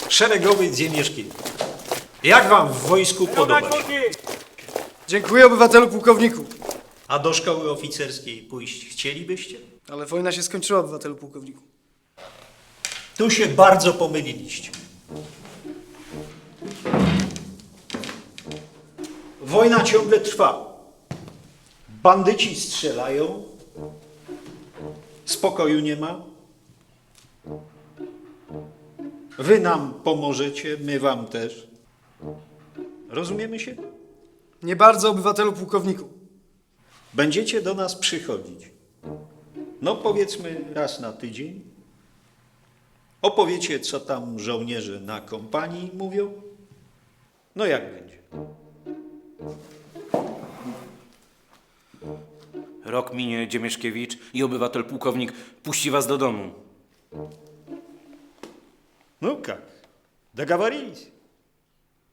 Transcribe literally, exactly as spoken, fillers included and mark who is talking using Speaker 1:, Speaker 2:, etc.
Speaker 1: Szeregowy Dziemieszkiewicz. Jak wam w wojsku podoba się?
Speaker 2: Dziękuję, obywatelu pułkowniku.
Speaker 1: A do szkoły oficerskiej pójść chcielibyście?
Speaker 2: Ale wojna się skończyła, obywatelu pułkowniku.
Speaker 1: Tu się bardzo pomyliliście. Wojna ciągle trwa. Bandyci strzelają. Spokoju nie ma. Wy nam pomożecie, my wam też. Rozumiemy się?
Speaker 2: Nie bardzo, obywatelu pułkowniku.
Speaker 1: Będziecie do nas przychodzić. No powiedzmy raz na tydzień. Opowiecie, co tam żołnierze na kompanii mówią. No jak będzie?
Speaker 3: Rok minie, Dziemieszkiewicz i obywatel pułkownik puści was do domu.
Speaker 1: Ну как? Договорились?